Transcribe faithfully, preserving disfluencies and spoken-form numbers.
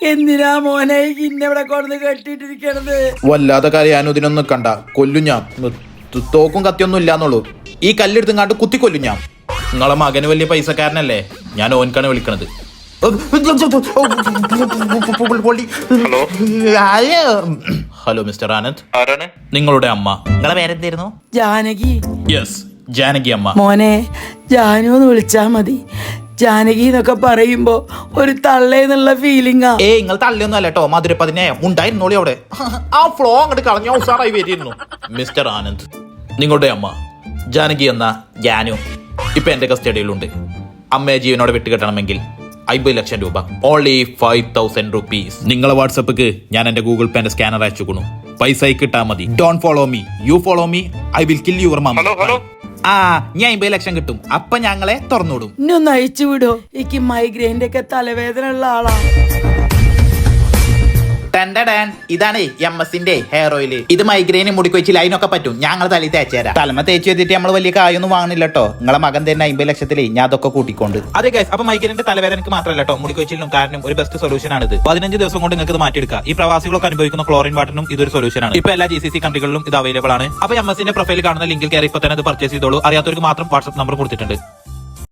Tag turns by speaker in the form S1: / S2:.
S1: എന്തിനാ മോനെ ഇന്നിവിടെ കൊണ്ടു കെട്ടിട്ടിരിക്കണത്?
S2: വല്ലാതെ കരയാനും ഇതിനൊന്നും കണ്ട കൊല്ലും ഞാൻ. തോക്കും കത്തിയൊന്നും ഇല്ലാന്നുള്ളൂ. ഈ കല്ലെടുത്തും കുത്തി കൊല്ലും ഞാൻ. നിങ്ങളെ മകന് വലിയ പൈസക്കാരനല്ലേ, ഞാൻ ഓൻക്കാണ് വിളിക്കണത്. ഹലോ മിസ്റ്റർ ആനന്ദ്,
S3: ആരാണ്?
S2: നിങ്ങളുടെ അമ്മ. നിങ്ങളെ പേരെന്തായിരുന്നു?
S1: ജാനകി.
S2: യെസ്, ജാനകി അമ്മ.
S1: മോനെ ജാനു എന്ന് വിളിച്ചാ മതി. ജാനകി എന്നൊക്കെ പറയുമ്പോ ഒരു തള്ളേന്നുള്ള ഫീലിംഗാ.
S2: ഏ നിങ്ങൾ തള്ളിയൊന്നും അല്ല കേട്ടോ, മധുരപ്പതിനെ ഉണ്ടായിരുന്നോളി അവിടെ. ആ ഫ്ലോ അങ്ങോട്ട് കളഞ്ഞ ഉസാറായി വരിയിരുന്നു. മിസ്റ്റർ ആനന്ദ്, നിങ്ങളുടെ അമ്മ ജാനകി എന്ന ജാനു ഇപ്പൊ എന്റെ കസ്റ്റഡിയിലുണ്ട്. അമ്മയെ ജീവനോടെ വിട്ടുകെട്ടണമെങ്കിൽ അമ്പത് ലക്ഷം രൂപ, ഓൺലി ഫൈവ് തൗസൻഡ് റുപ്പീസ്. നിങ്ങളെ വാട്സപ്പിക്ക് ഞാൻ എന്റെ ഗൂഗിൾ പേന്റെ സ്കാനർ അയച്ചുകൊണു. പൈസ കിട്ടാ മതി. Don't follow me, you follow me, I will kill your mum.
S3: Hello hello
S2: ആ ഞാൻ അമ്പത് ലക്ഷം കിട്ടും, അപ്പൊ ഞങ്ങളെ തുറന്നുവിടും.
S1: ഇന്നൊന്ന് അയച്ചു വിടോ, എനിക്ക് മൈഗ്രെയിന്റെ ഒക്കെ തലവേദന ഉള്ള ആളാ.
S2: ടെൻഡൻ, ഇതാണ് എം എസിന്റെ ഹെയർ ഓയിൽ. ഇത് മൈഗ്രെയിന് മുടിക്കൊച്ചിൽ അതിനൊക്കെ പറ്റും. ഞങ്ങൾ തലയിൽ തേച്ചുതരാം. തലമ തേച്ച് വെച്ചിട്ട് നമ്മൾ വലിയ കായൊന്നും വാങ്ങണില്ല കേട്ടോ. നിങ്ങളെ മകൻ തന്നെ അമ്പത് ലക്ഷത്തില് ഞാൻ അതൊക്കെ കൂട്ടിക്കൊണ്ട്. അതെ ഗൈസ്, അപ്പൊ മൈഗ്രെയിന്റെ തലവേദനക്ക് മാത്രമല്ല കേട്ടോ, മുടിക്കൊച്ചിലും കാരണം ഒരു ബെസ്റ്റ് സൊല്യൂഷൻ ആണ് ഇത്. പതിനഞ്ച് ദിവസം കൊണ്ട് നിങ്ങൾക്ക് ഇത് മാറ്റിയെടുക്കാം. ഈ പ്രവാസികളൊക്കെ അനുഭവിക്കുന്ന ക്ലോറിൻ വാട്ടറിനും ഇതൊരു സൊല്യൂഷൻ ആണ്. ഇപ്പൊ എല്ലാ ജി സി സി കൺട്രികളിലും ഇത് അവൈലബിൾ ആണ്. അപ്പൊ എം എസിന്റെ പ്രൊഫൈൽ കാണുന്ന ലിങ്കിൽ കയറി ഇപ്പൊ തന്നെ ഇത് പർച്ചേസ് ചെയ്തോളൂ. അറിയാത്തവർക്ക് മാത്രം വാട്സ്ആപ്പ് നമ്പർ കൊടുത്തിട്ടുണ്ട്.